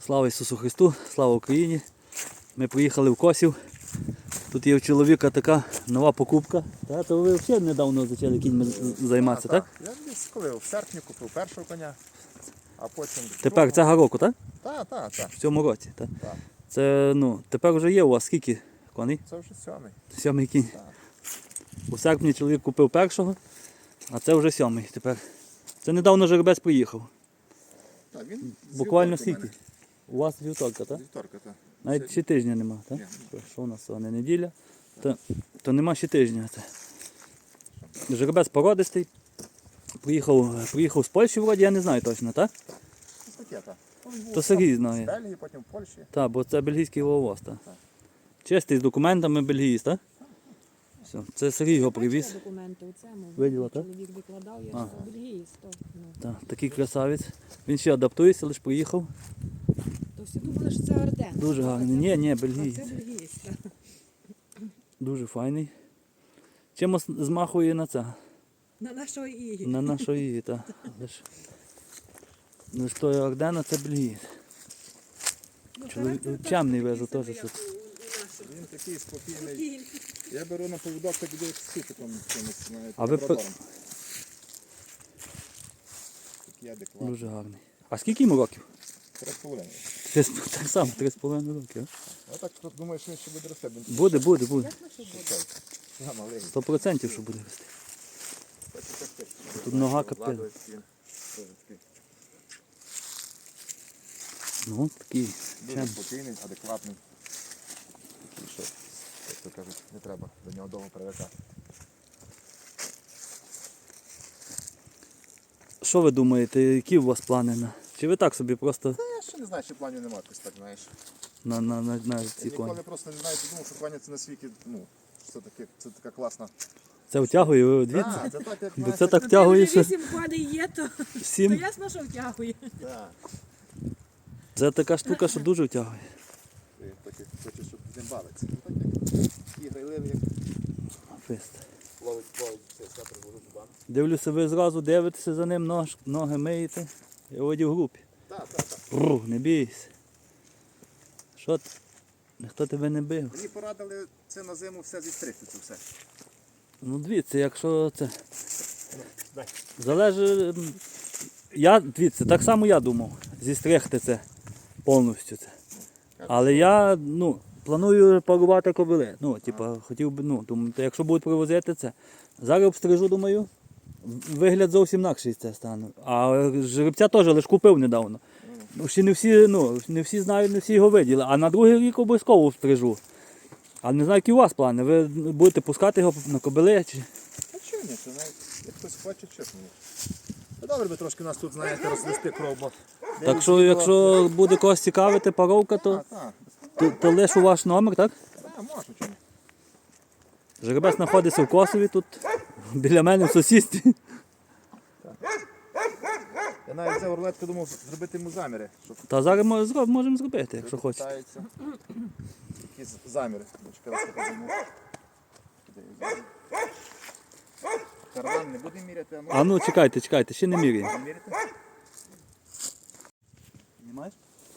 Слава Ісусу Христу, слава Україні. Ми приїхали в Косів. Тут є у чоловіка така нова покупка. То ви взагалі недавно почали кіньми займатися, так? Я десь коли в серпні купив першого коня, а потім... Тепер цього року, так? Так. В цьому році, так? Так. Це, тепер вже є у вас скільки коней? Це вже сьомий. Сьомий кінь. Так. У серпні чоловік купив першого, а це вже сьомий тепер. Це недавно жеребець приїхав. Так, він Буквально з вівторка скільки? У вас вівторка, в так? мене. Вівторка, так. Навіть ще тижня нема, так? Ні. Що у нас сьогодні неділя? То нема ще тижня. Жеребець породистий. Приїхав з Польщі вроді, я не знаю точно, так? Це таке, так. То Сергій З знає. Бельгії, потім в Польщі. Так, бо це бельгійський вовоз, так? Так. Чистий, з документами бельгієць, так? Все. Це Сергій його привіз. Бачила документи у цьому. Виділа, так? Чоловік викладав, я А. сказав, бельгієць. Так, такий красавець. Він ще адаптується, лише приїхав. То всі думали, що це Арден. Дуже гарний. Ні, А бельгієць. це бельгієць, так. Дуже файний. Чимось змахує на це. На нашого Ігі. На нашої, так. Лиш той Ордена це бельгієць. Чоловік чемний везу теж. Що... Він такий спокійний. Я беру на поводок, так іду як з супиком. А ви Такий адекватний. Дуже гарний. А скільки йому років? 3,5. Так само, 3,5 років. Я так думаю, що він ще буде рости. Буде. Я маленький. 100% що буде рости. Тут нога капець. Такий Дуже чемний. спокійний, адекватний. Такий, що, як то кажуть, не треба до нього довго привикати. Що ви думаєте, які у вас плани на? Чи ви так собі просто Та я ще не знаю, чи планів немає, якось так, знаєш. на Я ці коні? ніколи просто не знаю, думав, що коні це на світі, це така класна. Це втягує, ви дивіться? Це так, як, Бо знаєш, це так Ну, втягує, що 8 коней є, то 7. ясно, що втягує. так. Це така штука, що дуже втягує. Ти хочеш, щоб з ним бавитися. Так як і грайливий, як Фест. ловить все приложить зубами. Дивлюся, ви зразу дивитеся за ним, ноги миєте. Я воді в групі. Так. Не бійся. Що ти? Ніхто тебе не бив. Мені порадили це на зиму все зістригти, це все. Дивіться, якщо це... Дай. Залежить... Дивіться, так само я думав, зістригти це повністю це. Але я, планую парувати кобили. Хотів би, думаю, якщо будуть привозити це. Зараз обстрижу, думаю, вигляд зовсім інакший це стане. А жеребця теж лише купив недавно. Ще не всі знають, не всі його виділи. А на другий рік обов'язково обстрижу. Але не знаю, які у вас плани. Ви будете пускати його на кобили? Чи... А чого ні, це навіть, як хтось хоче, чесно. Добре би трошки нас тут, знаєте, розвести кров, бо... Так що, якщо буде когось цікавити паровка, то лише у ваш номер, так? Так, можна, чому. Жеребець знаходиться в Косові, тут біля мене в сусідстві. Я навіть взяв рулетку, думав зробити йому заміри, щоб Та зараз можемо зробити, якщо хочете. питаються. Якісь заміри. Чекай, раз покажу. Карман не буде міряти, а може Чекайте, ще не міряємо. міряти? Знімаєш?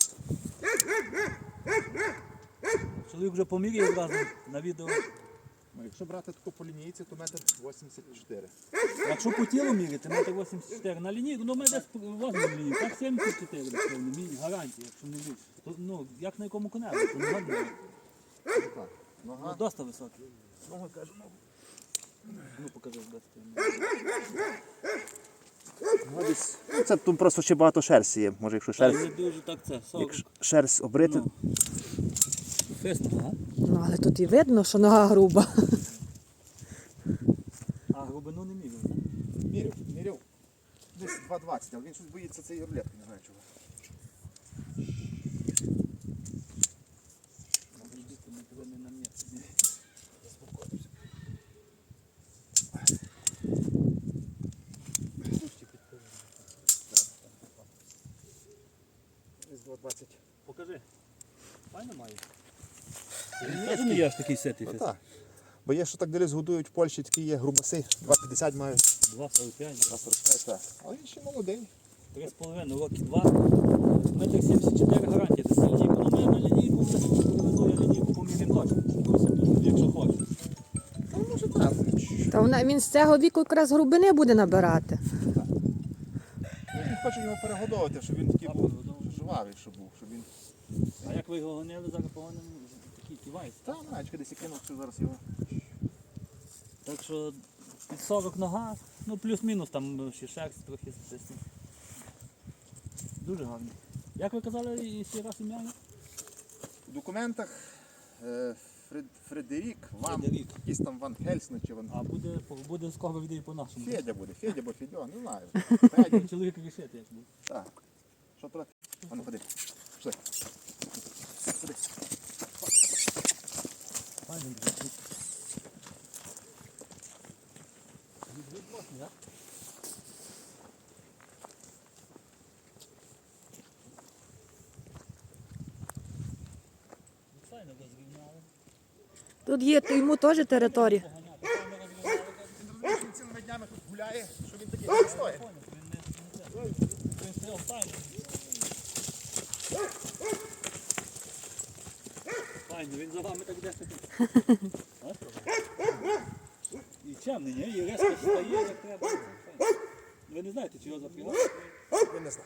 Чоловік вже поміряє одразу на відео. Ну, якщо брати таку по лінійці, то 1,84 м. Якщо по тілу міряти, 1,84 м. На лінійку, ми десь возьмемо лінійку, так 74 м, гарантія, якщо не більше. Як на якому коневі, то не годно. Так, нога. Досить високий. Нога кажу, покажи без Ну, десь. Це тут просто ще багато шерсті є. Може, якщо шерсть, дуже так це, 40. шерсть обрити. Фест, ага. Але тут і видно, що нога груба. А глибину не міряв. Міряв. Десь 2,20, але він щось боїться цієї рулетки, не знаю чого. Десь 2,20. Покажи. Файно має. Він не є аж такий ситий фест. Так. Бо є, що так десь годують в Польщі, такі є грубаси, 2,50 мають. 2,45. 2,45, так. Але він ще молодий. 3,5 роки 2. Метр 74 гарантія десь лінійку. Ну ми на лінійку вже привезу я лінійку поміряємо точно. Якщо хочеш. Та може так. Та він з цього віку якраз грубини буде набирати. Він хоче його перегодовувати, щоб він такий був жвавий, щоб був, щоб він... А як ви його гонили, зараз погонимо такий ківайся. Та, наче десь і кинув, що зараз його... Так що під 40 нога, ну плюс-мінус там ще шерсть трохи стисне. Дуже гарний. Як ви казали, і ще раз ім'я? В документах Фредерік, Фредерік. якийсь там Ван Хельсне чи Ван... А буде скоро відео по-нашому. Федя буде, Федя або Федьо, не знаю. Чоловік рішити, як буде. Так. Що трохи? А ну ходи. Пішли. Ходи. Файний. Файно розрівняли. Тут є йому теж територія. Поганяти, файно розрівняли. Він розуміє, що він цілими днями тут гуляє, що він такий не стоїть. Він стріл файно. Файно, він за вами так десь. І чемний, ні? І резко встає, як треба. Ви не знаєте, чи його запрягати? Він не знає.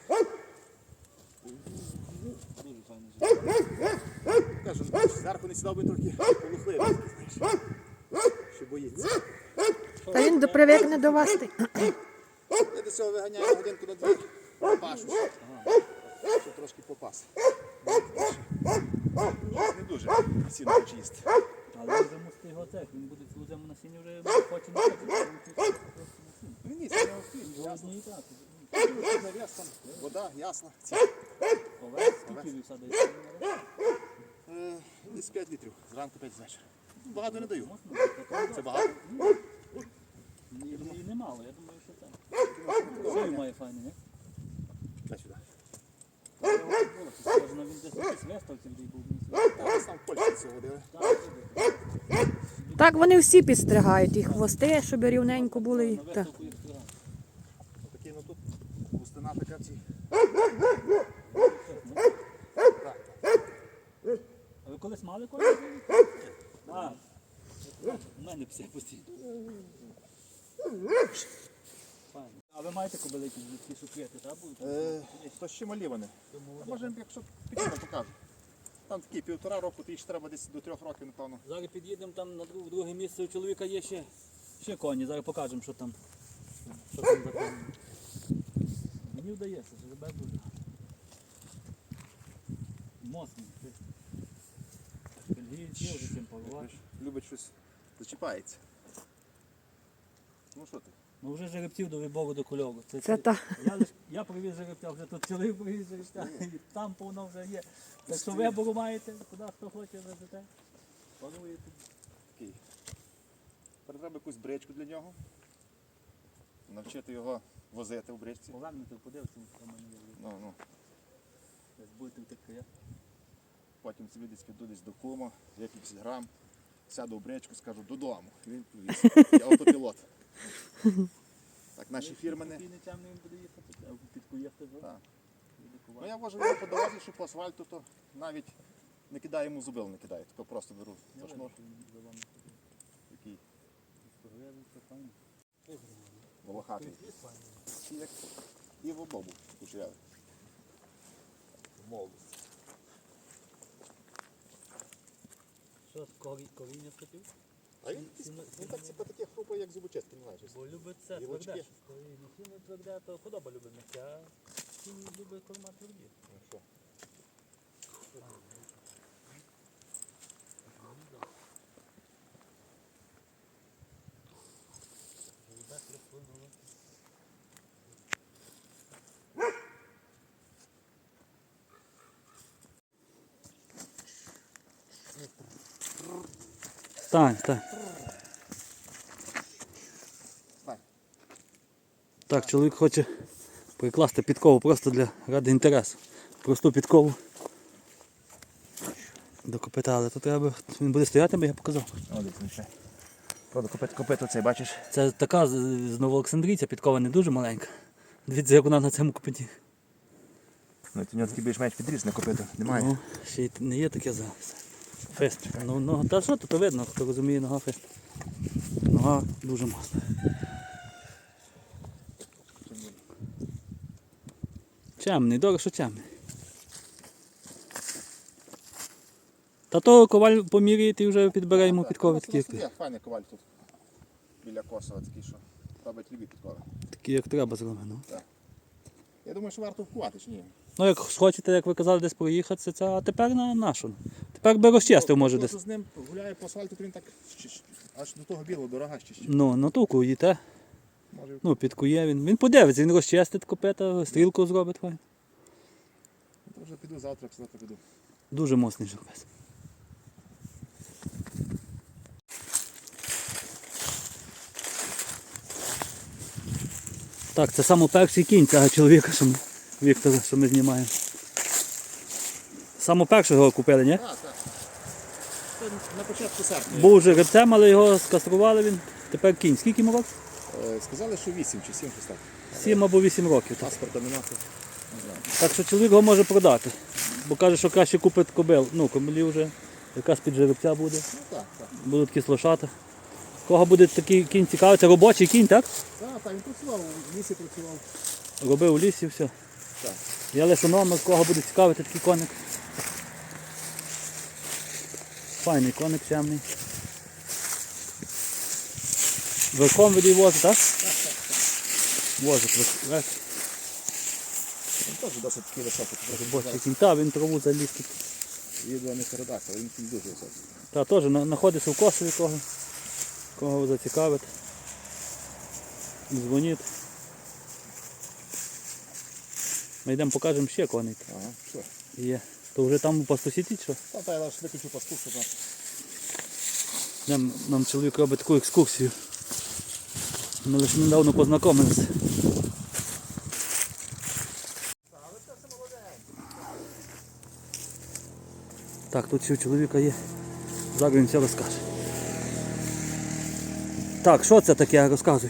Дуже файно живе. Кажу, зверху не сідав би трохи полухливий, знаєш. Що боїться. Та він привикне до вас. Я до цього виганяю годинку на дві, пашу, щоб трошки попас. Не дуже сіно хоче їсти. Але вже мусите його цех, він буде цілу зиму на сіні вже хоче не хоче. Він ні, це не охрін, Його ясно. однієї трати. Навіс там, вода, ясно. Овець, скільки ви садаєте? Десь 5 літрів, зранку 5 звечора. Багато не даю. Це Це багато. І немало, я думаю, що так. Шию має файний, ні? Дай сюди. Схоже, він десь якийсь виставці де був. Десь там в Польщі цього водили. Так вони всі підстригають, і хвости, щоб рівненько були. На Та. виставку їх стригали. Отакий, ну тут густина така в цій. А ви колись мали колись? А, у мене пси постійно. Файно. А ви маєте кобилики, які шукрити, так? То ще малі вони. А може, якщо підійдемо, покажу. Там такі 1,5 року, то їх ще треба десь до 3 років, напевно. Зараз під'їдемо там на друге місце, у чоловіка є ще коні, зараз покажемо, що там за коні. Мені вдається, жеребець дуже. Моцний. Бельгієць є вже цим порвати. Любить щось, зачіпається. Ну що ти? Ну вже жеребців до вибору до кольору. Це та. Я привіз жеребця, вже тут чоловік привіз жеребця, і там повно вже є. Так що вибору маєте, куди хто хоче везете. Паруєте. Такий. Тепер треба якусь бричку для нього. Навчити його возити в бричці. Повернути, подивитися, що в мене є. Ну. Десь будете втекти. Потім собі десь піду десь до кума, я 50 грам, сяду в бричку, скажу додому. І він повіз. Я автопілот. Так, наші фірмени. Спокійний темний він буде їхати, а під куєхти Так. буде Ну кувати. я вожу його по дорозі, що по асфальту, то навіть не кидаю йому зубил, не кидаю, тільки просто беру за шнур. Такий волохатий. І в обобу кучерявий. Молодость. Що, коріння схотів? А він так типу таке хрупає, як зубочистки, не знаю. Бо любить це Білочки. тверде. Коріння. Сіно тверде, то худоба любить м'яке, а сіно любить корма тверді. Ну що? Так, так. Так, чоловік хоче прикласти підкову просто ради інтересу. Просту підкову до копита, але то треба, він буде стояти, бо я показав. О, дивіться, правда, копито цей, бачиш? Це така з Новоолександрійця, підкова не дуже маленька. Дивіться, як вона на цьому копиті. Ну, у нього такий більш-менш підріз на копиту. Немає. Ну, ще й не є таке зараз. Фест. Ну, та що тут видно, хто розуміє, нога фест. Нога дуже масна. Чемний, добре, що чемний. Та то коваль поміряє і вже підбере йому підкови такі, як Є файний коваль тут. Біля Косова такий, що робить любі підкови. такі, як треба зроблено. Я думаю, що варто вкувати, чи ні? Ну, як хочете, як ви казали, десь проїхатися, це, а тепер на нашу. Тепер би розчистив, може, десь. З ним гуляє по асфальту, то він так аж до того білого дорога ще. Ну ту куїте. Може, Ну, підкує він. Він подивиться, він розчистить копита, стрілку зробить. Хай. то вже піду завтра піду. Дуже моцний жеребець. Так, це саме перший кінь цього чоловіка, Віктора, що ми знімаємо. Саме першого купили, ні? Так. Це на початку серпня. Був жеребцем, але його скастрували він. Тепер кінь. Скільки йому років? Сказали, що 8 чи 7 щось так. 7 або 8 років. Так. Паспорта нема. Не знаю. Так що чоловік його може продати. Бо каже, що краще купить кобил. Ну, кобилі вже якась під жеребця буде. Ну так. Будуть кислошати. Кого буде такий кінь цікавий? Це робочий кінь, так? Так, він працював, в лісі працював. Робив у лісі, все. Так. Я лише номер, кого буде цікавити такий коник. Файний коник чемний. Верхом від її возить, так? Возить верх. Він теж досить такий високий. Робочий кінь. Та, він траву заліз. Відео не передасться, але він дуже високий. Та теж знаходиться в Косові кого зацікавить. Дзвоніть. Ми йдемо покажемо ще коней. Ага, все. Є. То вже там по сусіді що? Та я лише виключу пасту, щоб Нам чоловік робить таку екскурсію. Ми лише недавно познайомилися. Так, тут ще у чоловіка є. Зараз він все розкаже. Так, що це таке, розказують?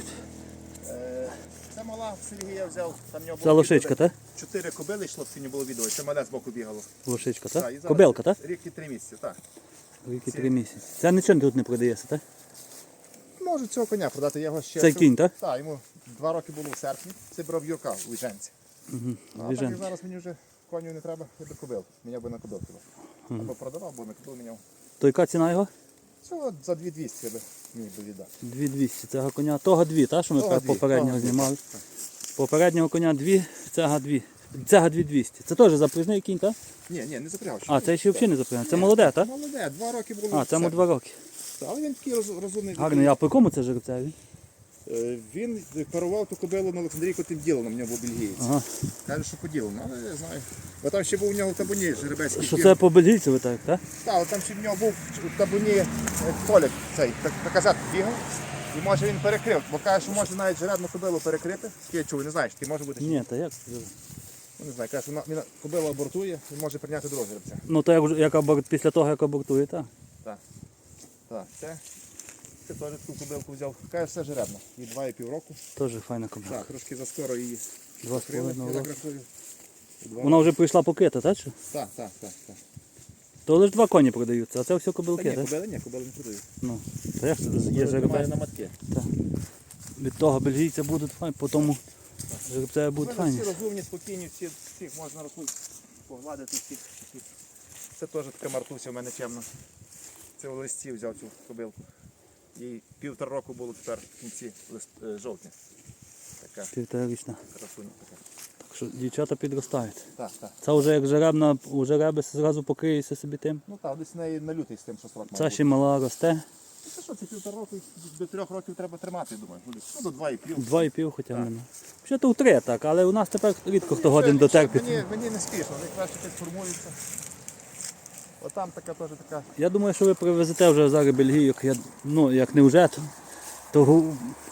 Це мала Сергія взяв, там в нього Це було лошичка, відео, так? 4 кобили йшло, в сіні було відео, це мале з боку бігало. Лошичка, і так? зараз Кобилка, так? Рік і 3 місяці, так. Рік і 3 місяці. Це нічого тут не продається, так? Можу цього коня продати, я його ще... Це кінь, так? Так, йому 2 роки було в серпні, це брав Юрка у Ліженці. А так Віжен. як зараз мені вже коню не треба, я би кобил, міняв би на кобил. Або продавав, бо на кобил міняв. То яка ціна його? Цього за 2200 я би міг би віддати. 2200. Цього коня. Того 2, так, що ми Того дві, попереднього того дві, знімали. так. Попереднього коня 2, цього 2. Цього 2200. Це теж запряжний кінь, так? Ні, не запрягав. А, це ще взагалі не запряжний. Це молоде, так? Молоде, 2 роки було. А, в цьому серпні. 2 роки. Але він такий розумний. Гарний. А по якому це жеребцеві? Він парував ту кобилу на Олександрійку тим ділом, в нього був бельгієць. Ага. Каже, що поділено, але я знаю. Бо там ще був у нього в табуні жеребецький Що кін. це по бельгійцеві так, так? Так, але там ще в нього був в табуні Толік цей, наказат бігав. І може він перекрив, бо каже, що може навіть жеребну кобилу перекрити. Я чув, не знаєш, ти може бути. Ні, та як? Ну, не знаю, каже, що він кобила абортує і може прийняти другого жеребця. Ну то після того, як абортує, так? Так, це теж таку кобилку взяв. Каже, все жеребно. Їй 2,5 року. Теж файна кобила. Так, трошки заскоро її 2,5 крили, я роки. так рахую. Вона вже прийшла покита, так? Чи? Так. То лише 2 коні продаються, а це все кобилки, Та ні, так? кобили не продають. Ну, то як це є Тримає жеребець? на матки. Так. Від того бельгійця будуть файні, по тому жеребця будуть Вони файні. всі розумні, спокійні, всіх можна рахувати, погладити всіх. Це теж така Мартуся в мене чемна. Це у листі взяв цю кобилку. Їй 1,5 року було тепер в кінці жовтня. Така Півторарічна. красуня така. Так що дівчата підростають. Так. Це вже як жеребна, у жереби зразу покриється собі тим. Ну так, десь в неї на лютий з тим, що срок має Це бути. ще мала росте. Це що, це 1,5 року, до 3 років треба тримати, я думаю. Ну, до 2,5. 2,5 хоча б нема. Ще то в 3 так, але у нас тепер рідко хто годин дотерпить. Мені не спішно, вони краще підформуються. Отам така теж така. Я думаю, що ви привезете вже зараз бельгійок, ну як не вже, то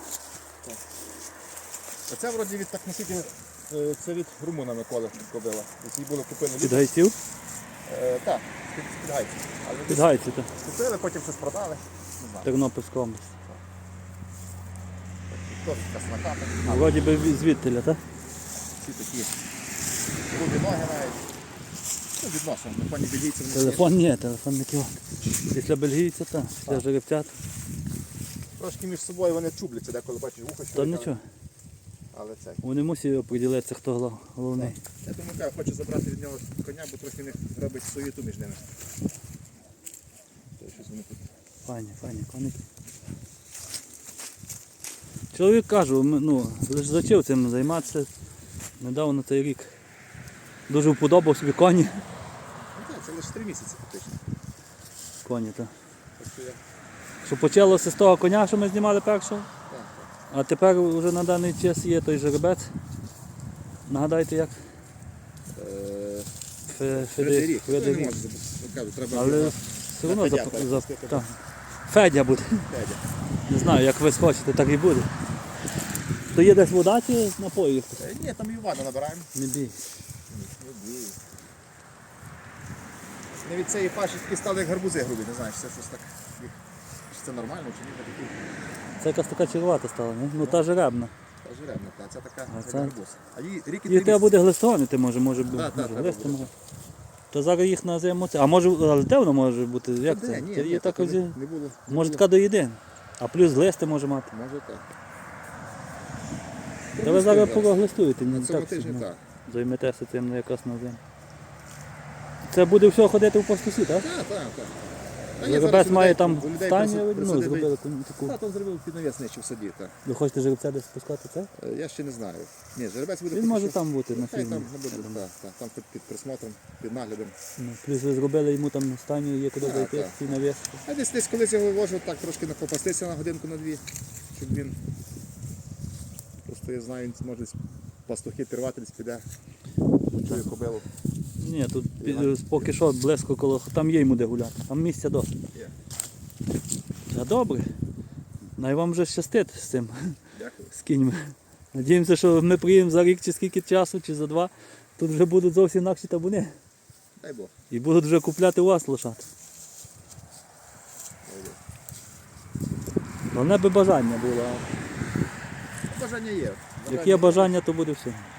Оце вроді від так наскільки це від Румуна Миколи кобила. Які були купили під гайців, Так, під гайців. Але під гайців, так. купили, потім щось продали. Не знаю. Тернопільська область. Хто така смаката. Вроді би звідтиля, так? всі такі грубі ноги навіть. Ну, відносно, на фоні бельгійців не Телефон ні, телефон не кіло. Після бельгійця, так, після Так. жеребця. Трошки між собою вони чубляться, деколи бачиш вухо, що То але- нічого. Але це. Вони мусять оприділитися, хто головний. Я думаю, кажу, хочу забрати від нього коня, бо трохи в них робить суєту між ними. То щось вони тут. Файні, коники. Чоловік кажу, ну, лише зачав цим займатися. Недавно цей рік. Дуже вподобав собі коні. Ну так, це лише 3 місяці фактично. Коні, так. Так що я... Що почалося з того коня, що ми знімали першого, Так, а тепер вже на даний час є той жеребець. Нагадайте як? так. Федерік. Ну, не можу забути. Кажу, треба Але його все одно Федя перепустити. так. Федя буде. Федя. Не знаю, як ви схочете, так і буде. То є десь вода чи напої? Ні, там і воду набираємо. Не бій. Не бій. Не від цієї паші такі стали як гарбузи грубі, не знаю, чи це щось так. Чи це нормально, чи ні, такі. Це якась така червата стала, ні? Ну та жеребна. Та жеребна, та це така А як це? гарбуз. А їй рік і Їх 3 треба місяці. буде глистонити, може бути. Так, Може, треба глисти буде. може. То зараз їх на зиму це. А може, але де воно може бути? Як Де? це? Ні, Це ні, є так так ось, не було. може така до єдин. А плюс глисти може мати. Може так. Та ви зараз поглистуєте, На не цьому так тижні собі, так. займетеся цим на якраз на зиму. Це буде все ходити в пастусі, так? Так, так, так. Та ні, Жеребець зараз має людей- там у людей стайню, ну, присадили- зробили таку. Та, там зробив під навісничі в саді, так. Ви хочете жеребця десь спускати це? Я ще не знаю. Ні, жеребець буде Він поки може що- там бути на Хай фільмі. там не буде, так, там під присмотром, під наглядом. Ну, плюс ви зробили йому там стайню, є куди Так, зайти, так. ці навіс. А десь колись його вивожу, так трошки попастися на годинку на дві, щоб він. Просто я знаю, він може пастухи пірвати десь піде. Чую кобилу. Ні, тут поки що близько коло, там є йому де гуляти, там місця досить. Є. Та добре. Най вам вже щастить з цим, Дякую. з кіньми. Надіємося, що ми приїдемо за рік чи скільки часу, чи за 2, тут вже будуть зовсім інакші табуни. Дай Бог. І будуть вже купляти у вас лошад. Дай Бог. Головне би бажання було. Бажання є. Як є бажання, то буде все.